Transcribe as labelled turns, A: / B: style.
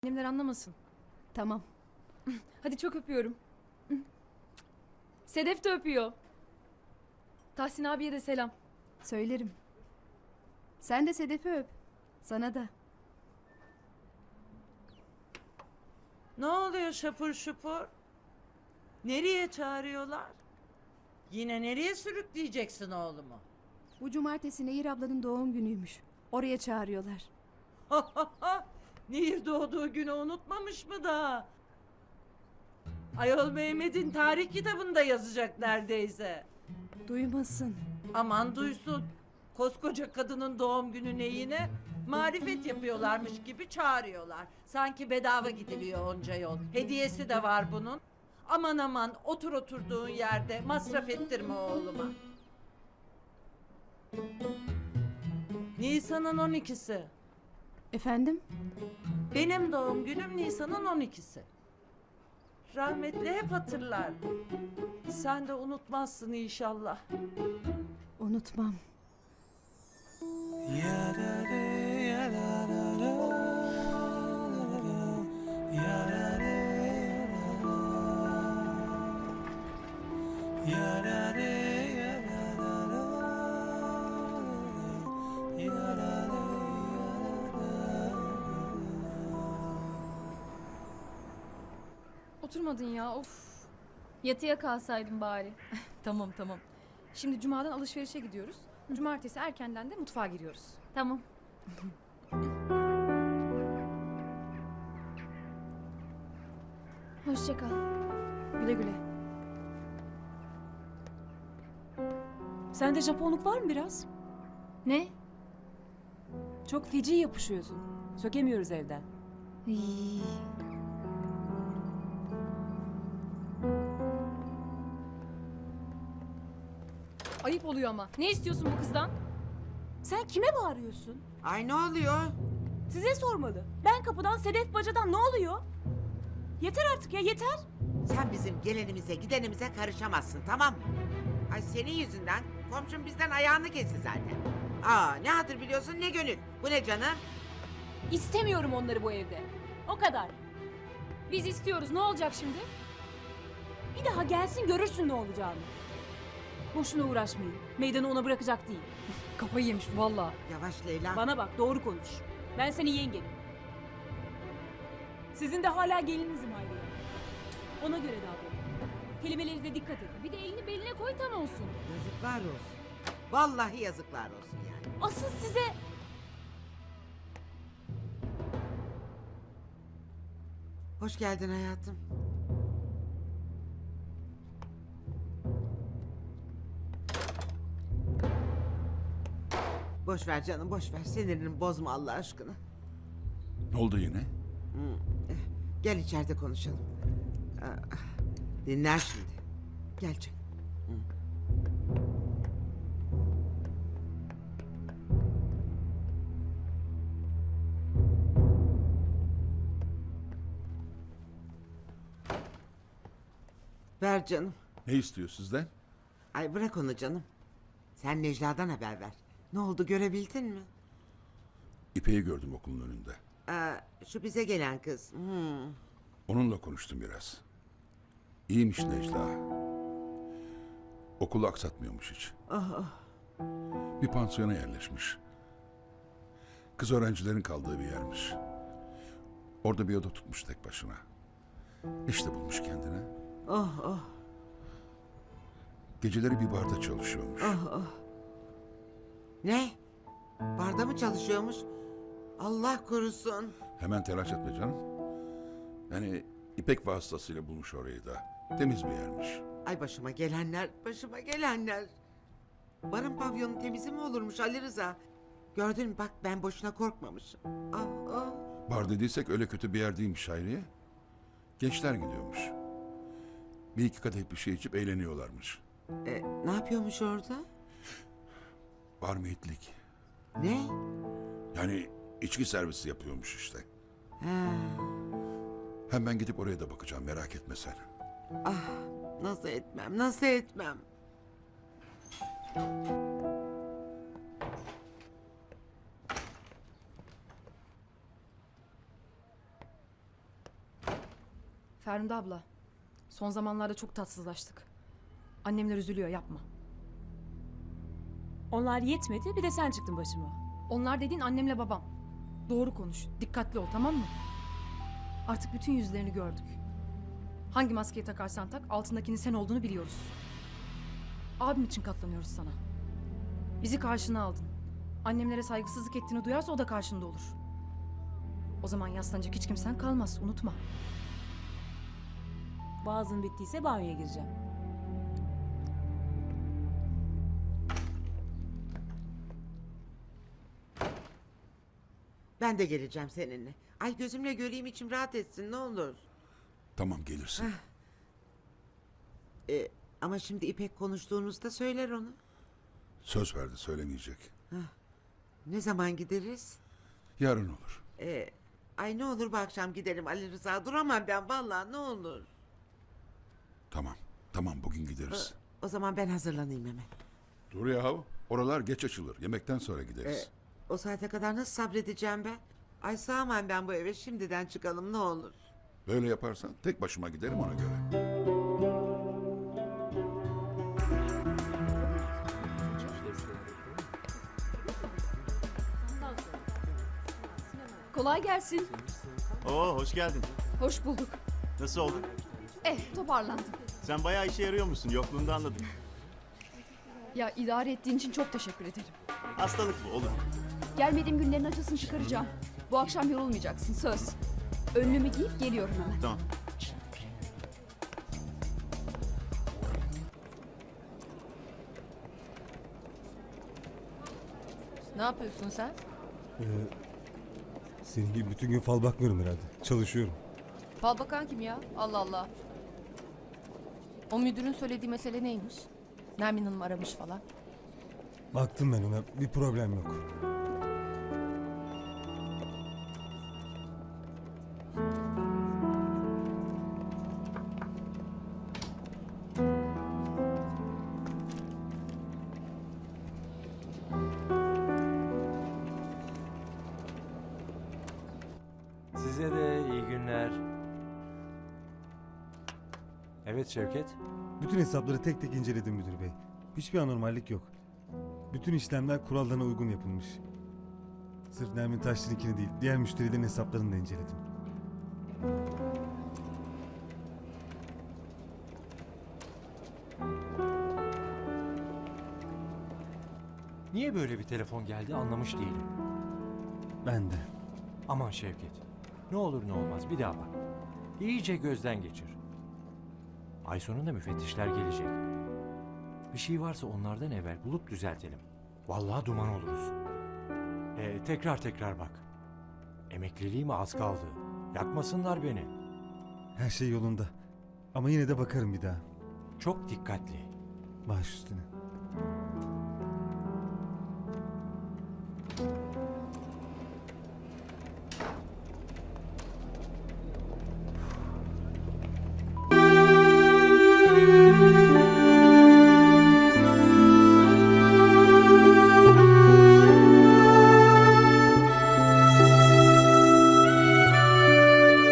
A: Annemler anlamasın.
B: Tamam.
A: Hadi çok öpüyorum. Sedef de öpüyor. Tahsin abiye de selam.
B: Söylerim. Sen de Sedef'i öp. Sana da.
C: Ne oluyor şapur şupur? Nereye çağırıyorlar? Yine nereye sürükleyeceksin oğlumu?
B: Bu cumartesi Nehir ablanın doğum günüymüş. Oraya çağırıyorlar.
C: Nehir doğduğu günü unutmamış mı daha? Ayol Mehmet'in tarih kitabında yazacak neredeyse.
B: Duymasın.
C: Aman duysun. Koskoca kadının doğum günü neyine? Marifet yapıyorlarmış gibi çağırıyorlar. Sanki bedava gidiliyor onca yol. Hediyesi de var bunun. Aman aman otur oturduğun yerde masraf ettirme oğluma. Nisan'ın 12'si.
B: Efendim?
C: Benim doğum günüm Nisan'ın 12'si. Rahmetli hep hatırlar. Sen de unutmazsın inşallah.
B: Unutmam.
A: Oturmadın ya of.
D: Yatıya kalsaydın bari.
A: Tamam. Şimdi cumadan alışverişe gidiyoruz. Cumartesi erkenden de mutfağa giriyoruz.
D: Tamam. Hoşça kal.
A: Güle güle.
E: Sende Japonluk var mı biraz?
D: Ne?
E: Çok feci yapışıyorsun. Sökemiyoruz evden.
D: İyi.
A: Ayıp oluyor ama. Ne istiyorsun bu kızdan?
E: Sen kime bağırıyorsun?
F: Ay ne oluyor?
E: Size sormalı. Ben kapıdan, Sedef bacadan ne oluyor? Yeter artık ya yeter.
F: Sen bizim gelenimize gidenimize karışamazsın, tamam mı? Ay senin yüzünden komşum bizden ayağını kesti zaten. Aa, ne hatır biliyorsun ne gönül. Bu ne canım?
E: İstemiyorum onları bu evde. O kadar.
A: Biz istiyoruz. Ne olacak şimdi?
E: Bir daha gelsin görürsün ne olacağını. Boşuna uğraşmayın. Meydanı ona bırakacak değil.
A: Kafayı yemiş valla.
F: Yavaş Leyla.
E: Bana bak doğru konuş. Ben senin yengenim. Sizin de hala gelininizim Hayriye. Ona göre davranın. Kelimelerinize dikkat edin.
A: Bir de elini beline koy tam olsun.
F: Yazıklar olsun. Vallahi yazıklar olsun yani.
E: Asıl size...
F: Hoş geldin hayatım. Boş ver canım, boş ver. Sinirini bozma Allah aşkına.
G: Ne oldu yine?
F: Gel içeride konuşalım. Aa, dinler şimdi. Gel canım. Ver canım.
G: Ne istiyor sizden?
F: Ay bırak onu canım. Sen Necla'dan haber ver. Ne oldu görebildin mi?
G: İpek'i gördüm okulun önünde.
F: Şu bize gelen kız.
G: Onunla konuştum biraz. İyiymiş Necla. Okulu aksatmıyormuş hiç. Bir pansiyona yerleşmiş. Kız öğrencilerin kaldığı bir yermiş. Orada bir oda tutmuş tek başına. İşte bulmuş kendine. Geceleri bir barda çalışıyormuş.
F: Ne? Barda mı çalışıyormuş? Allah korusun.
G: Hemen telaş etme canım. Yani İpek vasıtasıyla bulmuş orayı da. Temiz bir yermiş.
F: Ay başıma gelenler, başıma gelenler. Barın pavyonu temizi mi olurmuş Ali Rıza? Gördün mü bak ben boşuna korkmamışım.
G: Bar dediysek öyle kötü bir yer değilmiş Hayriye. Gençler gidiyormuş. Bir iki kadeh bir şey içip eğleniyorlarmış.
F: Ne yapıyormuş orada?
G: Bar miyitlik.
F: Ne?
G: Yani içki servisi yapıyormuş işte.
F: Ha,
G: Hem ben gidip oraya da bakacağım, merak etme sen.
F: nasıl etmem, nasıl etmem?
A: Ferhunde abla, son zamanlarda çok tatsızlaştık. Annemler üzülüyor, yapma.
E: Onlar yetmedi bir de sen çıktın başıma.
A: Onlar dediğin annemle babam. Doğru konuş, dikkatli ol, tamam mı? Artık bütün yüzlerini gördük. Hangi maskeyi takarsan tak, altındakinin sen olduğunu biliyoruz. Abim için katlanıyoruz sana. Bizi karşına aldın. Annemlere saygısızlık ettiğini duyarsa o da karşında olur. O zaman yaslanacak hiç kimsen kalmaz, unutma.
E: Boğazın bittiyse banyoya gireceğim.
F: Ben de geleceğim seninle. Ay gözümle göreyim, içim rahat etsin ne olur.
G: Tamam gelirsin.
F: Ama şimdi İpek konuştuğunuzda söyler onu.
G: Söz verdi söylemeyecek.
F: Ne zaman gideriz?
G: Yarın olur.
F: Ay ne olur bu akşam gidelim Ali Rıza. Duramam ben vallahi, ne olur.
G: Tamam. Tamam bugün gideriz.
F: O zaman ben hazırlanayım hemen.
G: Dur yahu. Oralar geç açılır. Yemekten sonra gideriz.
F: O saate kadar nasıl sabredeceğim ben? Ay sığamam ben bu eve, şimdiden çıkalım ne olur.
G: Böyle yaparsan tek başıma giderim ona göre.
B: Kolay gelsin.
H: Oo hoş geldin.
B: Hoş bulduk.
H: Nasıl oldun?
B: Toparlandım.
H: Sen bayağı işe yarıyormuşsun. Yokluğunda anladım.
B: Ya idare ettiğin için çok teşekkür ederim.
H: Hastalık bu olur.
B: Gelmediğim günlerin acısını çıkaracağım. Bu akşam yorulmayacaksın söz. Önlüğümü giyip geliyorum hemen.
H: Tamam.
I: Ne yapıyorsun sen?
J: Senin gibi bütün gün fal bakmıyorum herhalde. Çalışıyorum.
I: Fal bakan kim ya? Allah Allah. O müdürün söylediği mesele neymiş? Nermin Hanım aramış falan.
J: Baktım ben ona. Bir problem yok.
K: Size de iyi günler. Evet Şevket.
J: Bütün hesapları tek tek inceledim müdür bey. Hiçbir anormallik yok. Bütün işlemler kurallarına uygun yapılmış. Sırf Nermin Taşçı'nınkini değil, diğer müşterilerin hesaplarını da inceledim.
K: Niye böyle bir telefon geldi anlamış değilim.
J: Ben de.
K: Aman Şevket. Ne olur ne olmaz bir daha bak. İyice gözden geçir. Ay sonunda müfettişler gelecek. Bir şey varsa onlardan evvel bulup düzeltelim. Vallahi duman oluruz. Tekrar bak. Emekliliğime az kaldı. Yakmasınlar beni.
J: Her şey yolunda. Ama yine de bakarım bir daha.
K: Çok dikkatli.
J: Baş üstüne.